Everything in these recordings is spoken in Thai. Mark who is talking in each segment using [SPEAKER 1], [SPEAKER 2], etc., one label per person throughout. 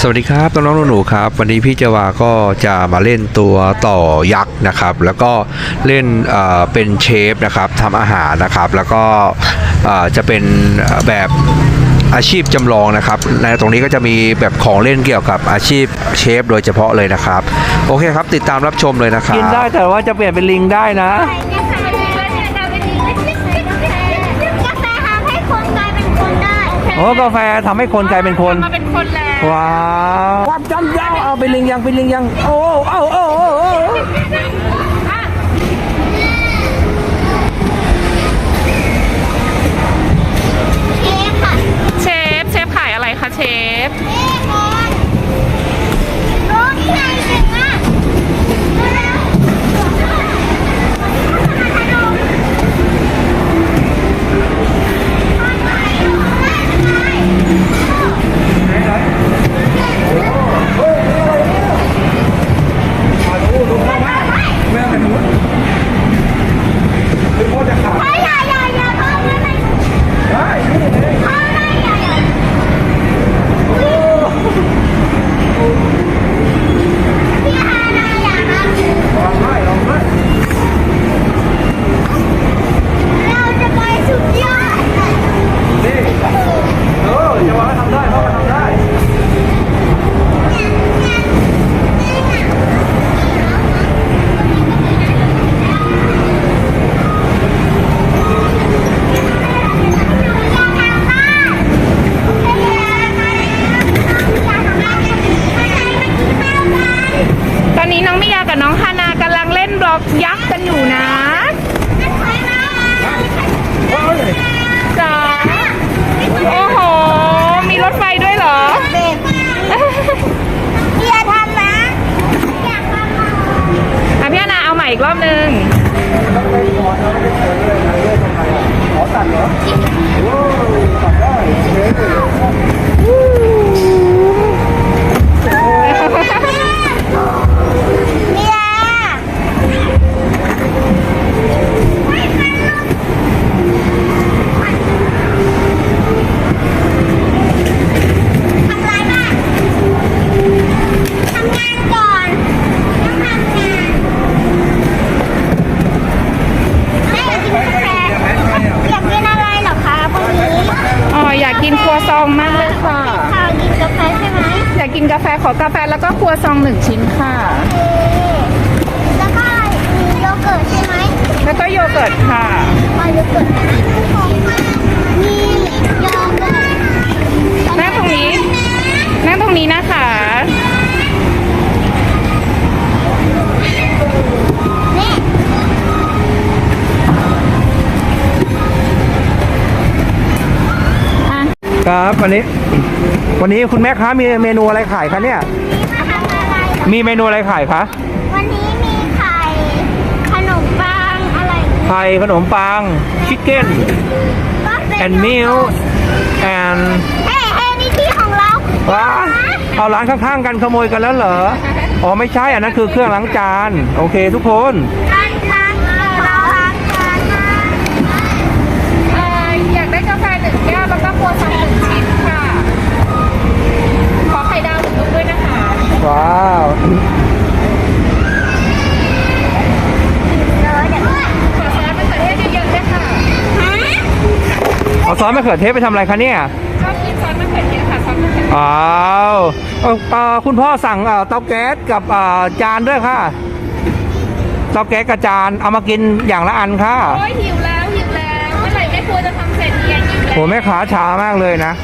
[SPEAKER 1] วัสดีครับน้องๆหนูๆครับวันนี้พี่เจวาก็จะมาเล่นตัวต่อยักษ์นะครับแล้วก็เล่นเป็นเชฟนะครับทำอาหารนะครับแล้วก็จะเป็นแบบอาชีพจำลองนะครับในตรงนี้ก็จะมีแบบของเล่นเกี่ยวกับอาชีพเชฟโดยเฉพาะเลยนะครับโอเคครับติดตามรับชมเลยนะครับกินได้แต่ว่าจะเปลี่ยนเป็นลิงได้นะโอ้กาแฟทำให้คนกลายเป็นคนมาเป็นคนแล้วว้าววับจำยาวเอาเป็นลิงยังเป็นลิงยังโอ้
[SPEAKER 2] เชฟขายอะไรคะเชฟยักษ์กันอยู่นะจ๋าโอ้โหมีรถไฟด้วยเหรออย่าทำนะพี่นาเอาใหม่อีกรอบนึงขอตัดเหรอตัดได้อยากกินครัวซองมากเลยค่ะกินกาแฟใช่ไหมอยากกินกาแฟขอกาแฟแล้วก็ครัวซอง1 ชิ้นค่ะแล้วก็มีโยเกิร์ตใช่ไหมแล้วก็โยเกิร์ตค่ะโยเกิร์ตมีโยเกิร์ตนั่งตรงนี้นะคะ
[SPEAKER 1] ครับวันนี้คุณแม่ค้ามีเมนูอะไรขายคะเนี่ยมีเมนูอะไรขายคะ
[SPEAKER 3] วันนี้มีไข่ขนมปังอะไร
[SPEAKER 1] ไข่ขนมปังชิคเก้นand milk and
[SPEAKER 3] เฮ้นี่ที่ของเรา
[SPEAKER 1] ว้าเอาร้านข้างๆกันขโมยกันแล้วเหรออ๋อไม่ใช่อันนั้นคือเครื่องล้างจานโอเคทุกคน
[SPEAKER 2] อยากได้กาแฟ1 แก้วแล้วก็ครัวซอง1 ชิ้นค่ะขอไข่ดาว1 ลูกด้วยนะคะ
[SPEAKER 1] ว้าว
[SPEAKER 2] ขอซอสมะเขือเทศเยอะๆด้วยค่ะ
[SPEAKER 1] เอาซอสมะเขือเทศไปทำอะไรคะเนี่ย
[SPEAKER 2] ชอบกินซอสมะเขือเทศค่ะซอสมะเขือเทศ
[SPEAKER 1] อ้าวคุณพ่อสั่งเตาแก๊สกับจานด้วยค่ะเตาแก๊สกับจานเอามากินอย่างละอันค่ะ
[SPEAKER 2] โอ้ยหิวแล้วเมื่อไหร่แม่ครัวจะทำเสร็จเนี่ยหิวแล้ว
[SPEAKER 1] โหแม่ขาช้ามากเลยนะ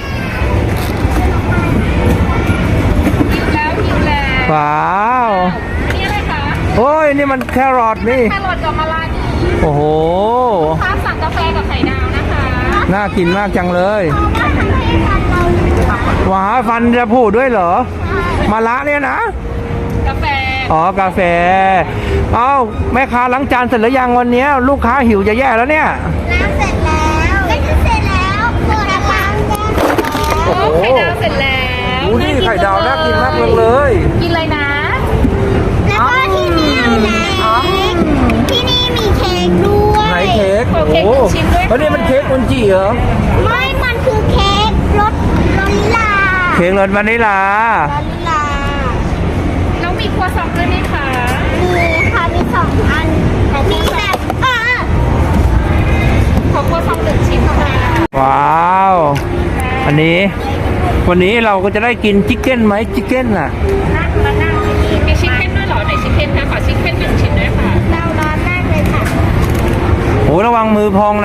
[SPEAKER 2] หิวแล้ว
[SPEAKER 1] ว้าว
[SPEAKER 2] นี่อะไรคะ
[SPEAKER 1] โอ้ยนี่มันแครอทนี่
[SPEAKER 2] แครอทกับมะระ
[SPEAKER 1] โอ้โห
[SPEAKER 2] ข้าวสั่งกาแฟกับไข่ดาวนะคะ
[SPEAKER 1] น่ากินมากจังเลยว้าฟันจะพูดด้วยเหรอมะระเนี่ยนะ
[SPEAKER 2] กาแฟ
[SPEAKER 1] อ๋อกาแฟเอ้าแม่ค้าล้างจานเสร็จแล้วยังวันนี้ลูกค้าหิวจะแย่แล้วเนี่ย
[SPEAKER 3] ล้างเสร็จแล้วไม่ใช่เสร็จแล้วตัวละปัง
[SPEAKER 2] โอ้ไข่ดาวเสร็จแล้ว
[SPEAKER 1] นี่ไข่ดาวน่ากินมากเลย
[SPEAKER 2] กินเลยนะ
[SPEAKER 3] แล้วก็ที่นี่ที่นี่มีเค้กด้วย
[SPEAKER 1] ไหนเค้ก
[SPEAKER 2] โอ้โห
[SPEAKER 1] เพราะนี่มันเค้กอุนจิเหรอ
[SPEAKER 3] ไม่มันคือเค้กรสวานิลลา
[SPEAKER 1] เค้ค้กรสวานิลา
[SPEAKER 3] วานิลา
[SPEAKER 2] แล้วมีครัวซองด้วยไหมคะ
[SPEAKER 3] มีค่ะมี2 อันมีแบบ
[SPEAKER 2] ขอครัวซอง1 ชิ้นค่ะ
[SPEAKER 1] ว้าว อันนี้ วันนี้เราก็จะได้กินชิคเก้นไหมชิคเก้นน่ะ
[SPEAKER 2] นั่งมานั่งมีชิคเก้นด้วยเหรอไหนชิคเก้นคะขอชิคเก้น1 ชิ้นด้วยค่ะ
[SPEAKER 3] เราร้อนมากเลยค่ะ
[SPEAKER 1] โอ้ระวังมือพองนะ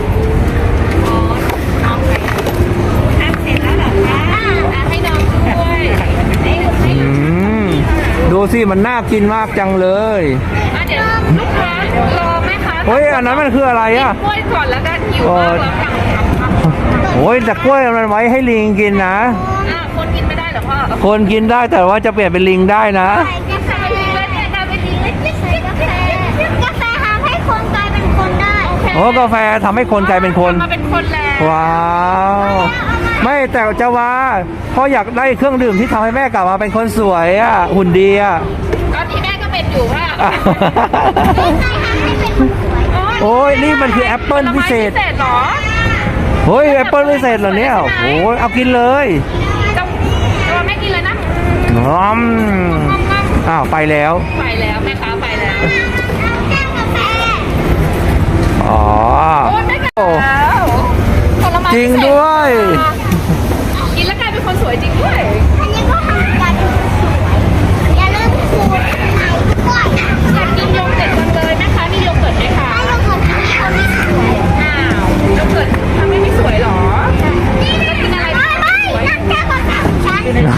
[SPEAKER 2] น้องไปทานเสร็จแล้วเหรอคะให้น้องด้วย
[SPEAKER 1] อืมดูสิมันน่ากินมากจังเลย
[SPEAKER 2] เดี๋ยวลูกค้ารอไหมคะ
[SPEAKER 1] เฮ้ยอันนั้นมันคืออะไรอ่ะ
[SPEAKER 2] กล้วยก่อนแล้วกันหิวมากแล้วค่ะ
[SPEAKER 1] โอ้ยแต่กล้วยมันไว้ให้ลิงกินนะ
[SPEAKER 2] คนกินไม่ได้เหรอพ่อ
[SPEAKER 1] คนกินได้แต่ว่าจะเปลี่ยนเป็นลิงได้นะ
[SPEAKER 3] ใส่กาแฟแล้วเนี่ยกลายเป็นลิงเล็กๆกาแฟทำให้คนกลายเป็นคนได้
[SPEAKER 1] โอ้กาแฟทำให้คนกลายเป็นคน
[SPEAKER 2] มาเป็นคนแล้ว
[SPEAKER 1] ว้าว ไม่แต่จะว่าพ่ออยากได้เครื่องดื่มที่ทำให้แม่กลับมาเป็นคนสวยอ่ะหุ่นดีอ่ะ
[SPEAKER 2] ตอนที่แม่ก็เป็นอยู่ว่า
[SPEAKER 3] ใครทำให้เป็นคนสวย
[SPEAKER 1] โอ้ยนี่มันคือแอปเปิลพิเศษ
[SPEAKER 2] พิเศษเหรอ
[SPEAKER 1] เฮ้ยแอปเปิลพิเศษเหรอเนี่ยโอ้ยเอากินเลย
[SPEAKER 2] จะไม่กินเลยนะ
[SPEAKER 1] น้อมอ้าวไปแล้ว
[SPEAKER 2] ไปแล้วแม่ค้าไปแล้ว
[SPEAKER 3] แก้วกาแฟ
[SPEAKER 1] อ๋อ
[SPEAKER 2] โอ้ยไม่กลับแล้วผลไม้
[SPEAKER 1] จริงด้วย
[SPEAKER 2] กินแล้วกลายเป็นคนสวยจริงด้วย
[SPEAKER 3] อันนี้ก็ทำกันสวยอย่าลืมขูดไข่ด้วย
[SPEAKER 2] อยากกินโยเกิร์ตจังเลยนะคะมีโยเกิร์ตไหมคะ
[SPEAKER 3] ถ้าเราเกิดที่นี่เขาไม่สวย
[SPEAKER 2] อ้าวโยเกิร์ตทำให้ไม่สวยเหรอแล้วกินอะไร
[SPEAKER 3] ไม่นั่นแก้วกาแฟของฉัน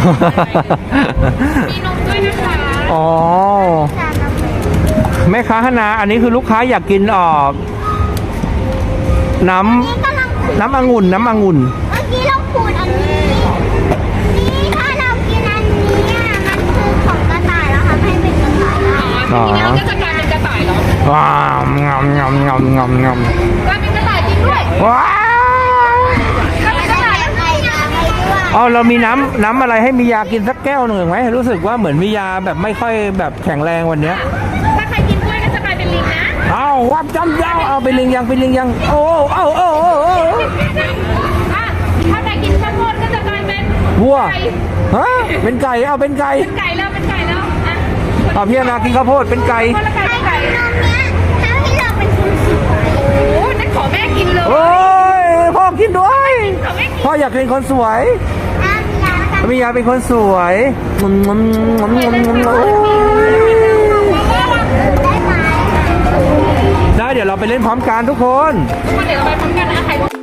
[SPEAKER 2] มีนมด้วยนะคะ
[SPEAKER 1] อ๋อแม่ค้าฮานาอันนี้คือลูกค้าอยากกินน้ำ
[SPEAKER 3] กำลังขูด
[SPEAKER 1] น้ำองุ่นน้ำองุ่น
[SPEAKER 3] เมื่อกี้เราขูดอันนี้นี่ถ้าเรากินอันนี้มันคือของกระต่ายแล้วทำให้เป็นกระต่ายได้
[SPEAKER 2] อ๋อทีนี้เราก็จะกลายเป็นกระต่ายเหรอ
[SPEAKER 1] ว้าวงอมงอมงอมงอมงอม
[SPEAKER 2] กลายเป็นกระต่ายจริงด้วย
[SPEAKER 1] ว้าว
[SPEAKER 2] กลายเป็นกระต่าย
[SPEAKER 3] ไข่ดาวไปด้วย
[SPEAKER 1] เอาเรามีน้ำอะไรให้มียากินสักแก้วหนึ่งไหมรู้สึกว่าเหมือนมียาแบบไม่ค่อยแบบแข็งแรงวันเนี้ย
[SPEAKER 2] ถ้าใครกินกล้วยก็จะกลายเป็นลิงนะ
[SPEAKER 1] เอาวับจำยาวเอาไปลิงยังไปลิงยังโอ้โอ้โอ้โอ้โอ้
[SPEAKER 2] ถ้าใครกินข้าวโพดก็จะกลายเป็น
[SPEAKER 1] วัว
[SPEAKER 2] ไก่
[SPEAKER 1] ฮะเป็นไก่เอาเป็นไก่
[SPEAKER 2] เป็นไก่แล้วเป็นไก่แล้วอ่ะ
[SPEAKER 1] เอาพี่นากินข้าวโพดเป็นไก่
[SPEAKER 2] คนละไก่เป็นไก่
[SPEAKER 3] นมเนี้ยทำให้เราเป็นคนสวย
[SPEAKER 2] โอ้นั่นขอแม่กินเลย
[SPEAKER 1] โอ้ยพ่อกินด้วย
[SPEAKER 2] ขอแม่กิน
[SPEAKER 1] พ่ออยากเป็นคนสวย
[SPEAKER 3] มียาแล้วกัน
[SPEAKER 1] มียาเป็นคนสวยงมงมงมงมงมโอ้ย
[SPEAKER 3] ได้ไหม
[SPEAKER 1] ได้เดี๋ยวเราไปเล่นพร้อมกันทุกคน
[SPEAKER 2] ทุกคนเดี๋ยวเราไปพร้อมกันนะใคร